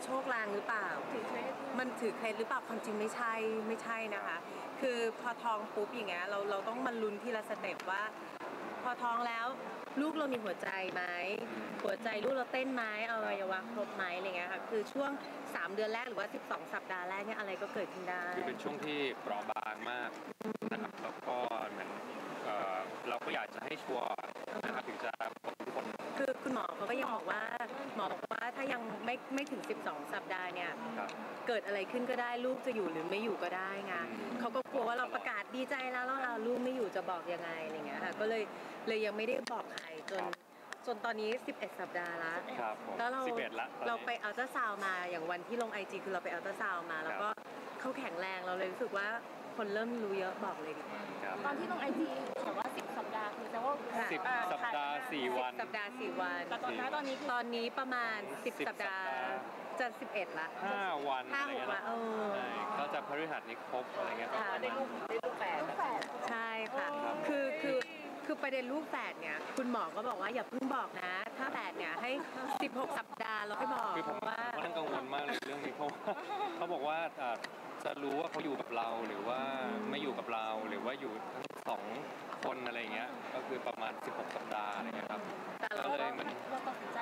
ชคลางหรือเปล่ามันถือเคล็ดหรือเปล่าความจริงไม่ใช่นะคะคือพอท้องปุ๊บอย่างเงี้ยเราต้องมาลุ้นทีละสเต็ปว่าพอท้องแล้วลูกเรามีหัวใจไหมหัวใจลูกเราเต้นไหมอวัยวะครบไหมอะไรเงี้ยค่ะคือช่วง3 เดือนแรกหรือว่า12 สัปดาห์แรกเนี่ยอะไรก็เกิดขึ้นได้คือเป็นช่วงที่เปราะบางมากนะครับแล้วก็เหมือนเราก็อยากจะให้ชัวร์นะครับถึงจะบอกทุกคนคือคุณหมอเขาก็ยังบอกว่าถ้ายังไม่ถึง12 สัปดาห์เนี่ยเกิดอะไรขึ้นก็ได้ลูกจะอยู่หรือไม่อยู่ก็ได้ไงเขาก็กลัวว่าเราประกาศดีใจแล้วลูกไม่อยู่จะบอกยังไงอะไรเงี้ยค่ะก็เลยยังไม่ได้บอกใครจนตอนนี้11 สัปดาห์แล้วแล้วเราไปอัลตราซาวน์มาอย่างวันที่ลง IG คือเราไปอัลตราซาวน์มาแล้วก็เขาแข็งแรงเราเลยรู้สึกว่าคนเริ่มรู้เยอะบอกเลยดีกว่าตอนที่ลง IG บอกว่า10 สัปดาห์คือแต่ว่า 10 สัปดาห์4 วัน 10 สัปดาห์4 วันแต่ตอนนี้ประมาณ10 สัปดาห์จะ11ละ 5 วัน 5-6 วันก็จะพฤหัสนี้ครบอะไรเงี้ยได้ลูกแฝดใช่ค่ะคือประเด็นลูกแฝดเนี่ยคุณหมอก็บอกว่าอย่าเพิ่งบอกนะถ้าแฝดเนี่ยให้16 สัปดาห์แล้วค่อยบอกคือผมว่าต้องกังวลมากเลยเรื่องนี้เพราะเขาบอกว่าจะรู้ว่าเขาอยู่กับเราหรือว่าไม่อยู่กับเราหรือว่าอยู่ทั้ง2 คนอะไรเงี้ยก็คือประมาณ16 สัปดาห์อะไรเงี้ยครับก็เลยเหมือนเราตัดสินใจ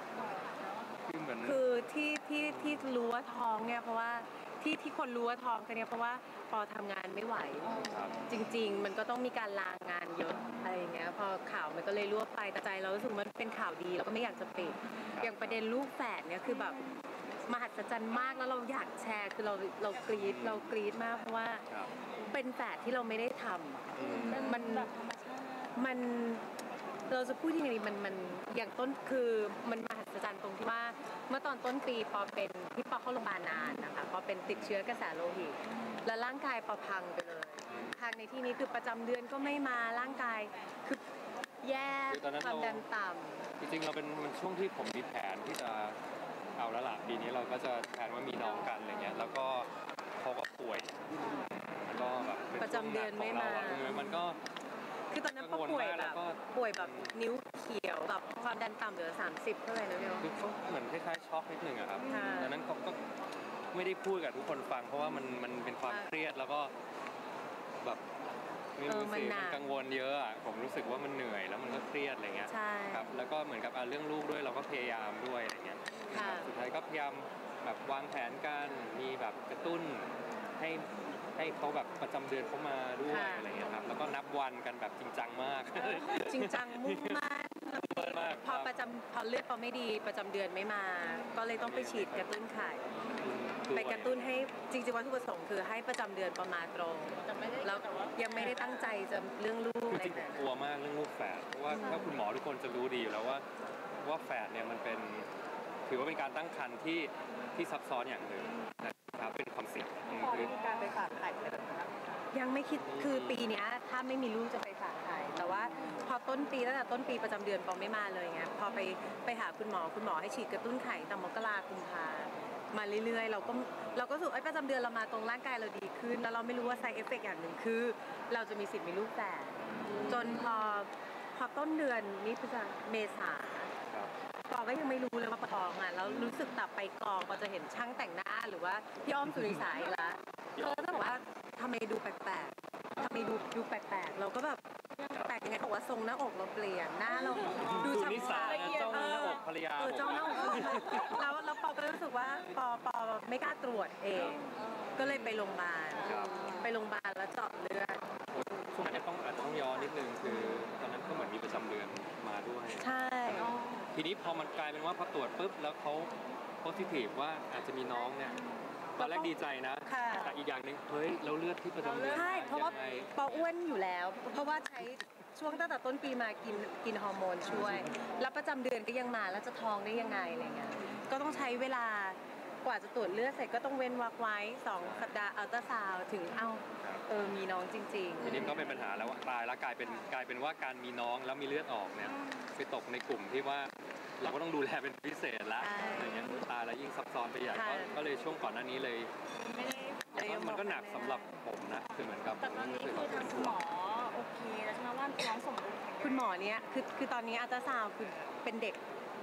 คือที่รู้ว่าท้องเนี่ยเพราะว่าที่คนรู้ว่าท้องกันเนี่ยเพราะว่าพอทำงานไม่ไหวจริงๆมันก็ต้องมีการลางานเยอะอะไรอย่างเงี้ยพอข่าวมันก็เลยรั่วไปแต่ใจเรารู้สึกมันเป็นข่าวดีเราก็ไม่อยากจะปิดอย่างประเด็นลูกแฝดเนี่ยคือแบบมหัศจรรย์มากแล้วเราอยากแชร์คือเรากรี๊ดมากเพราะว่าเป็นแฝดที่เราไม่ได้ทำมันเราจะพูดยังไงดีมันอย่างต้นคือมันมหัศจรรย์ตรงที่ว่าเมื่อตอนต้นปีพอเป็นที่ปอเข้าโรงพยาบาลนานนะคะพอเป็นติดเชื้อกระแสโลหิตแล้วร่างกายปอพังไปเลยพังในที่นี้คือประจำเดือนก็ไม่มาร่างกายคือแย่ความดันต่ำจริงๆเราเป็นช่วงที่ผมมีแผนที่จะเอาแล้วล่ะปีนี้เราก็จะแผนว่ามีน้องกันอะไรเงี้ยแล้วก็เขาก็ป่วยแล้วก็แบบประจำเดือนไม่มามันก็คือตอนนั้นก็ป่วยแบบนิ้วเขียวแบบความดันต่ำเหลือ30เท่าไหร่นะเนี่ยคือเขาเหมือนคล้ายๆช็อกนิดนึงอะครับดังนั้นเขาก็ไม่ได้พูดกับทุกคนฟังเพราะว่ามันเป็นความเครียดแล้วก็แบบไม่รู้สิมันกังวลเยอะอะผมรู้สึกว่ามันเหนื่อยแล้วมันก็เครียดอะไรเงี้ยครับแล้วก็เหมือนกับเรื่องลูกด้วยเราก็พยายามด้วยอะไรเงี้ยสุดท้ายก็พยายามแบบวางแผนกันมีแบบกระตุ้นให้เขาแบบประจำเดือนเขามาด้วยอะไรเงี้ยครับแล้วก็นับวันกันแบบจริงจังมากจริงจังมุ่งมั่นพอเลือดพอไม่ดีประจำเดือนไม่มาก็เลยต้องไปฉีดกระตุ้นไข่ไปกระตุ้นให้จริงๆวัตถุประสงค์คือให้ประจำเดือนประมาณตรงแล้วยังไม่ได้ตั้งใจจะเรื่องลูกอะไรแต่กลัวมากเรื่องลูกแฝดเพราะว่าถ้าคุณหมอทุกคนจะรู้ดีอยู่แล้วว่าแฝดเนี่ยมันเป็นถือว่าเป็นการตั้งครรภ์ที่ซับซ้อนอย่างหนึ่งนะครับเป็นความเสี่ยงคือการไปฝากไข่ยังไม่คิดคือปีนี้ถ้าไม่มีลูกจะไปฝากไข่แต่ว่าพอตั้งแต่ต้นปีประจำเดือนปอไม่มาเลยไงพอไปหาคุณหมอให้ฉีดกระตุ้นไข่ตั้งมกราคมกุมภามาเรื่อยๆเราก็รู้สึกประจำเดือนเรามาตรงร่างกายเราดีขึ้นแล้วเราไม่รู้ว่าไซด์เอฟเฟกต์อย่างหนึ่งคือเราจะมีสิทธิ์มีลูกแฝดจนพอต้นเดือนนี้พฤษภาคมเมษาปอก็ยังไม่รู้เลยว่าปอท้องอ่ะแล้วรู้สึกแต่ไปกองปอจะเห็นช่างแต่งหน้าหรือว่าพี่อ้อมสุริสายแล้วเขาก็จะบอกว่าทำไมดูแปลกๆทำไมดูแปลกๆเราก็แบบแปลกยังไงบอกว่าทรงหน้าอกเราเปลี่ยนหน้าเราดูนิสัยจ้องหน้าอกภรรยาจ้องหน้าอกแล้วปอก็รู้สึกว่าปอไม่กล้าตรวจเองก็เลยไปโรงพยาบาลแล้วเจาะเลือดช่วงนั้นอาจจะต้องย้อนนิดนึงคือตอนนั้นก็เหมือนมีประจำเดือนมาด้วยใช่ทีนี้พอมันกลายเป็นว่าพอตรวจปุ๊บแล้วเขาโพสิทีฟว่าอาจจะมีน้องเนี่ยตอนแรกดีใจนะแต่อีกอย่างหนึ่งเฮ้ยเราเลือดที่ประจำเดือนใช่เพราะว่าปออ้วนอยู่แล้วเพราะว่าใช้ช่วงตั้งแต่ต้นปีมากินฮอร์โมนช่วยแล้วประจำเดือนก็ยังมาแล้วจะท้องได้ยังไงอะไรเงี้ยก็ต้องใช้เวลากว่าจะตรวจเลือดเสร็จก็ต้องเว้นวรรคไว้2 สัปดาห์อัลตราซาวด์ถึงมีน้องจริงๆทีนี้ก็เป็นปัญหาแล้วว่าตายแล้วกลายเป็นว่าการมีน้องแล้วมีเลือดออกเนี่ยไปตกในกลุ่มที่ว่าเราก็ต้องดูแลเป็นพิเศษแล้วอะไรเงี้ยตายแล้วยิ่งซับซ้อนไปใหญ่ก็เลยช่วงก่อนหน้านี้เลยมันก็หนักสำหรับผมนะคือเหมือนกับแต่ตอนนี้คือทางคุณหมอโอเคแล้วใช่ไหมว่าน้องสมบูรณ์คุณหมอเนี้ยคือตอนนี้อัลตราซาวด์คือเป็นเด็กที่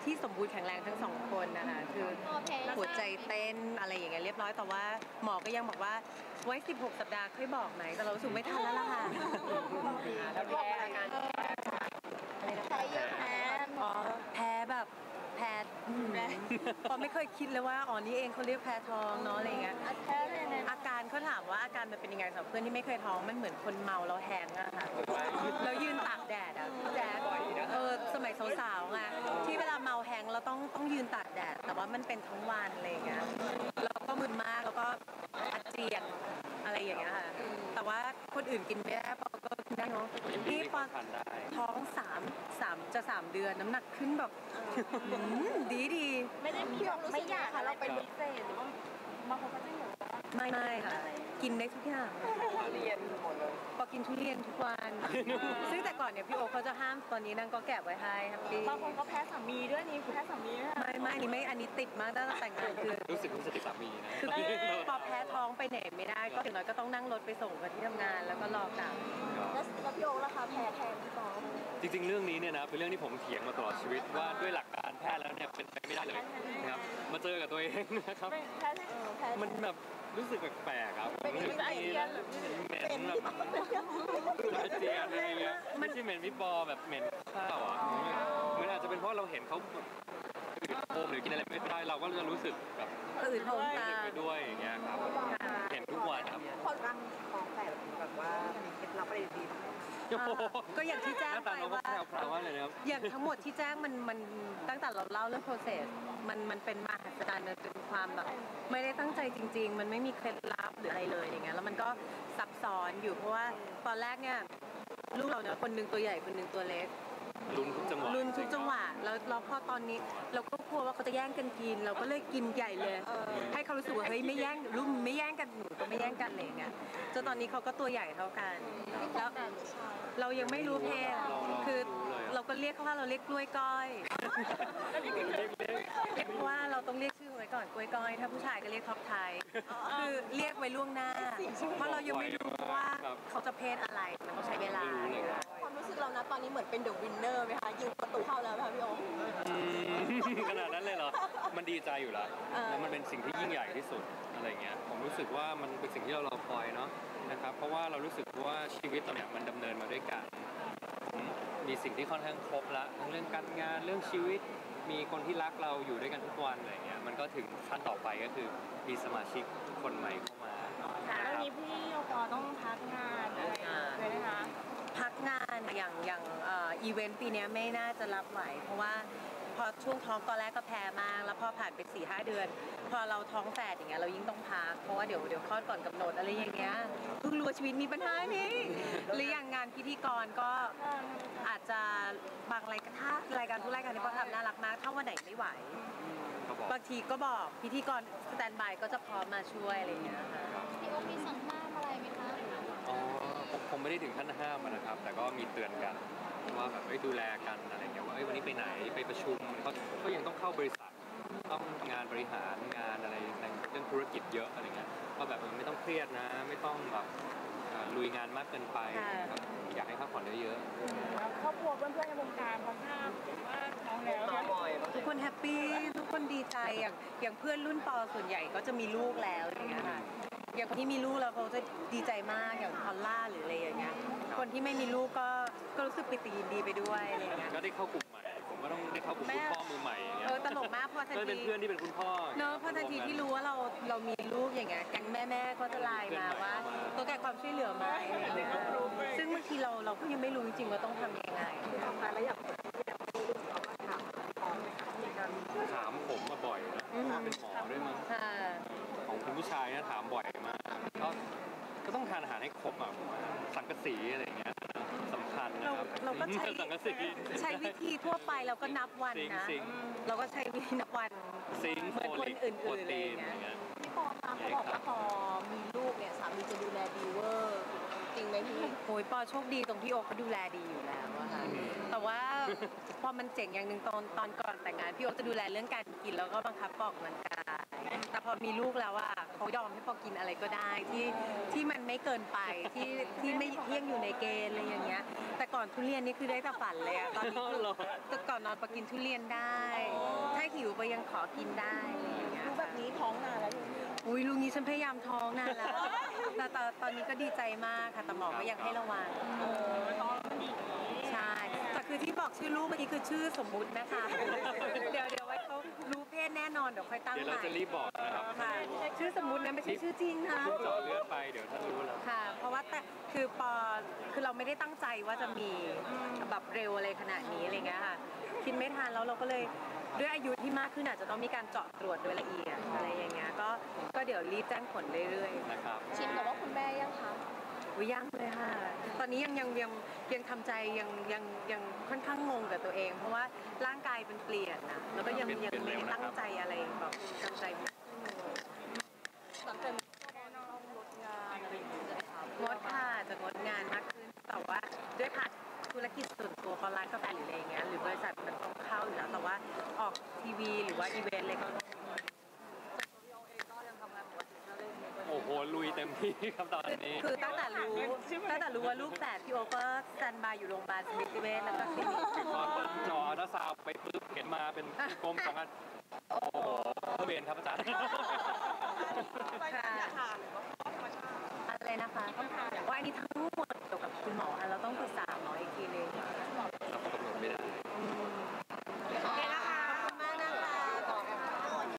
ที่สมบูรณ์แข็งแรงทั้งสองคนนะคะคือหัวใจเต้นอะไรอย่างเงี้ยเรียบร้อยแต่ว่าหมอก็ยังบอกว่าไว้16 สัปดาห์ค่อยบอกไหนแต่เรารู้สึกไม่ทันแล้วล่ะค่ะแล้วแพ้อาการใช้เยอะแพ้อ๋อแพ้แบบแพ้ปอไม่เคยคิดเลยว่าอ๋อนี่เองเขาเรียกแพ้ท้องเนาะอะไรอย่างเงี้ยแพ้เลยนะอาการเขาถามว่าอาการมันเป็นยังไงสำหรับเพื่อนที่ไม่เคยท้องมันเหมือนคนเมาแล้วแฮงอะค่ะแล้วยืนตากแดดอะพี่แจ๊คสมัยสาวๆไงที่เวลาเมาแฮงเราต้องยืนตากแดดแต่ว่ามันเป็นทั้งวันอะไรอย่างเงี้ยเราก็มึนมากแล้วก็อาเจียนอะไรอย่างเงี้ยค่ะแต่ว่าคนอื่นกินไม่ได้ปอก็กินได้เนาะนี่ปอทานได้ท้อง3 เดือนน้ำหนักขึ้นแบบดีไม่ได้มีแบบไม่อยากค่ะเราเป็นพิเศษหรือว่าบางคนก็จะอยู่ไม่ค่ะกินได้ทุกอย่างเรียนหมดเลยพอกินทุเรียนทุกวัน ซึ่งแต่ก่อนเนี่ยพี่โอเขาจะห้ามตอนนี้นางก็แกะไว้ให้แฮปปี้บางคนก็แพ้สามีด้วยนี่คือแพ้สามีด้วยไม่อันนี้ไม่อันนี้ติดมากตั้งแต่แต่งงานคือรู้สึกติดสามีนะคือพอแพ้ท้องไปไหนไม่ได้ก็ถึงน้อยก็ต้องนั่งรถไปส่งกันที่ทำงานแล้วก็รอกลับแล้วพี่โอ๊คล่ะคะแพ้แทนพี่ปอจริงๆเรื่องนี้เนี่ยนะเป็นเรื่องที่ผมเถียงมาตลอดชีวิตว่าด้วยหลักการแพทย์แล้วเนี่ยเป็นไปไม่ได้เลยนะครับมาเจอกับตัวเองนะครับแพ้แพ้มันแบบรู้สึกแปลกๆครับเป็นอาเจียนเหม็นแบบอาเจียนอะไรเงี้ยไม่ใช่เหม็นพี่ปอแบบเหม็นข้าวอ่ะมันอาจจะเป็นเพราะเราเห็นเขาอืดโอมหรือกินอะไรไม่ได้เราก็จะรู้สึกแบบอื่นท้องตาไปด้วยอย่างเงี้ยครับเห็นทุกวันครับคนรังของแฝดแบบว่ามีเคล็ดลับอะไรดีก็อย่างที่แจ้งหน้าไปตาเราก็ว่าแพรวๆว่าเลยนะครับอย่างทั้งหมดที่แจ้งมันตั้งแต่เราเล่าเรื่อง process มันเป็นมหัศจรรย์มันเป็นความแบบไม่ได้ตั้งใจจริง ๆ มันไม่มีเคล็ดลับหรืออะไรเลยอย่างเงี้ยแล้วมันก็ซับซ้อนอยู่เพราะว่าตอนแรกเนี่ยลูกเราเนี่ยคนหนึงตัวใหญ่คนหนึงตัวเล็กลุ้นทุกจังหวะลุ้นทุกจังหวะแล้วพอตอนนี้เราก็กลัวว่าเขาจะแย่งกันกิน เราก็เลยกินใหญ่เลย ให้เขารู้สึกว่าเฮ้ยไม่แย่งลูกไม่แย่งกันหนูก็ไม่แย่งกันอะไรอย่างเงี้ยจนตอนนี้เขาก็ตัวใหญ่เท่ากันแล้วเรายังไม่รู้เพศคือเราก็เรียกเขาว่าเราเรียกกล้วยก้อยเพราะว่าเราต้องเรียกชื่อไว้ก่อนกล้วยก้อยถ้าผู้ชายก็เรียกท็อปไทยคือเรียกไว้ล่วงหน้าเพราะเรายังไม่รู้ว่าเขาจะเพศอะไรมันต้องใช้เวลาความรู้สึกเรานะตอนนี้เหมือนเป็นเดอะวินเนอร์ไหมคะยิงประตูเข้าแล้วไหมคะพี่โอ๊คขนาดนั้นเลยเหรอ มันดีใจอยู่แล้วแล้วมันเป็นสิ่งที่ยิ่งใหญ่ที่สุดอะไรเงี้ย ผมรู้สึกว่ามันเป็นสิ่งที่เรารอคอยเนาะนะครับ เพราะว่าเรารู้สึกว่าชีวิตเราเนี่ยมันดำเนินมาด้วยกันผมมีสิ่งที่ค่อนข้างครบละทั้งเรื่องการงานเรื่องชีวิต มีคนที่รักเราอยู่ด้วยกันทุกวันอะไรเงี้ย มันก็ถึงขั้นต่อไปก็คือมีสมาชิกคนใหม่เข้ามานะแล้วครับนี้พี่โอปอต้องพักงานอะไรเลยนะคะพักงานอย่างอีเวนต์ปีนี้ไม่น่าจะรับไหว เพราะว่าพอช่วงท้องตอนแรกก็แพ้มากแล้วพอผ่านไป4-5 เดือน พอเราท้องแฝดอย่างเงี้ยเรายิ่งต้องพักเพราะว่าเดี๋ยวคลอดก่อนกำหนดอะไรอย่างเงี้ยเพิ่งรู้ว่าชีวิตมีปัญหานี้หรืออย่างงานพิธีกรก็อาจจะบางรายการถ้ารายการทุกรายการที่เขาทำน่ารักมากถ้าวันไหนไม่ไหวเขาบอกบางทีก็บอกพิธีกรสแตนบายก็จะพร้อมมาช่วยอะไรอย่างเงี้ยค่ะพี่โอ๊คมีสั่งห้ามอะไรไหมคะอ๋อผมไม่ได้ถึงขั้นห้ามอะนะครับ แต่ก็มีเตือนกันว่าแบบดูแลกันอะไรเงี้ยว่าวันนี้ไปไหนไปประชุมเขายังต้องเข้าบริษัทต้องทำงานบริหารงานอะไรในเรื่องธุรกิจเยอะอะไรเงี้ยว่าแบบไม่ต้องเครียดนะ ไม่ต้องแบบลุยงานมากเกินไปนะครับอยากให้พักผ่อนเยอะครอบครัวเพื่อนๆในวงการพอทราบว่าท้องแล้วต่อบ่อยทุกคนแฮปปี้ทุกคนดีใจอย่างเพื่อนรุ่นปอส่วนใหญ่ก็จะมีลูกแล้วอย่างเงี้ยค่ะอย่างคนที่มีลูกแล้วเขาจะดีใจมากอย่างพอลล่าหรืออะไรอย่างเงี้ยคนที่ไม่มีลูกก็รู้สึกปิติยินดีไปด้วยอะไรอย่างเงี้ยๆก็ได้เข้ากลุ่มใหม่ผมก็ต้องได้เข้ากลุ่มคุณพ่อมือใหม่อย่างเงี้ยตลกมากพอทันก็เป็นทีเพื่อนที่เป็นคุณพ่อเนอะพอทันทีที่รู้ว่าเรามีลูกอย่างเงี้ยแก๊งแม่ก็จะไลน์มาว่าตัวแกความช่วยเหลือไหมอะไรอย่างเงี้ยซึ่งบางทีเราก็ยังไม่รู้จริงๆว่าต้องทำยังไงแล้วอย่างคนที่ยังไม่รู้เขาก็ถามพร้อมไหมคะมีการถามผมมาบ่อยนะถามเป็นหมอด้วยมั้งค่ะของคุณผู้ชายนะถามบ่อยมากก็ต้องทานอาหารให้ครบอ่ะผมว่าสังกะสีอะไรอย่างเงี้ยสำคัญนะครับเราก็ใช้สังกะสีใช้วิธีทั่วไปเราก็นับวันนะซิงค์เราก็ใช้วิธีนับวันซิงค์เหมือนโฟคนลิกอื่โปรนๆอะไรตีอน ย่างอเงี้ยย่างเงี้ยพี่ปอคะเขาบอกว่าพอมีลูกเนี่ยสามีจะดูแลดีเวอร์จริงไหมพี่โอ้ยปอโชคดีตรงที่โอ๊คเขาดูแลดีอยู่แล้วอะค่ะแต่ว่าพอมันเจ๋งอย่างหนึ่งตอนก่อนแต่งงานพี่โอ๊คจะดูแลเรื่องการกินแล้วก็บังคับออกกำลังกายแต่พอมีลูกแล้วอ่ะเขายอมให้ปอกินอะไรก็ได้ที่มันไม่เกินไปที่ไม่เที่ยงอยู่ในเกณฑ์อะไรอย่างเงี้ยแต่ก่อนทุเรียนนี่คือได้แต่ฝันเลยอะตอนนี้คือแต่ก่อนนอนปอกินทุเรียนได้ ถ้าหิวปอยังขอกินได้อะไรอย่างเงี้ยรู้แบบนี้ท้องนานแล้วลูกอุ้ยลุงนี้ฉันพยายามท้องนานแล้วแต่ตอนนี้ก็ดีใจมากค่ะแต่หมอก็ยังให้ระวังท้องมันดีใช่แต่คือที่บอกชื่อลูกเมื่อกี้คือชื่อสมมุตินะคะ เดี๋ยวไว้เขารู้เพศแน่นอนเดี๋ยวค่อยตั้งเดี๋ยวใหเราม่จะรีบบอกนะครับค่ะชื่อสมมุตินะไม่ใช่ชื่อจริงนะเจาะเลือดไปเดี๋ยวท่านรู้แล้วค่ะ เพราะว่าแต่คือเราไม่ได้ตั้งใจว่าจะมีแบบเร็วอะไรขนาดนี้อะไรเงี้ยค่ะคิดไม่ทันแล้วเราก็เลยด้วยอายุที่มากขึ้นอาจจะต้องมีการเจาะตรวจโดยละเอียดอะไรอย่างเงี้ยก็เดี๋ยวรีบแจ้งผลเรื่อยๆนะครับชินกับว่าคุณแม่ยังคะอุ๊ยยังเลยค่ะ ตอนนี้ยังทำใจยังค่อนข้างงงกับตัวเอง เพราะว่าร่างกายเป็นเปลี่ยนนะแล้วก็ยังไม่ได้ตั้งใจอะไรแบบตั้งใจหลังจากนี้ก็ต้องลดงานอะไรอย่างเงี้ยค่ะงดค่ะจะงดงานมากขึ้นแต่ว่าด้วยผ่านธุรกิจส่วนตัวของร้านกาแฟหรืออะไรอย่างเงี้ยหรือบริษัทมันต้องเข้าอยู่แล้วแต่ว่าออกทีวีหรือว่าอีเวนต์อะไรก็โอ้โหลุยเต็มที่ครับตอนนี้คือตั้งแต่รู้ว่าลูกแฝดพี่โอก็สแตนบายอยู่โรงพยาบาลสมิติเวชแล้วก็คลินิกคือพอต้นจอถ้าซาวไปปุ๊บเห็นมาเป็นกลมสองอันโอ้โหพระเวรครับอาจารย์ไปทานหรือว่าธรรมชาติอะไรนะคะว่าอันนี้ทั้งหมดเกี่ยวกับคุณหมอค่ะเราต้องปรึกษาหมออีกทีนึงเราก็กำหนดไม่ได้อืม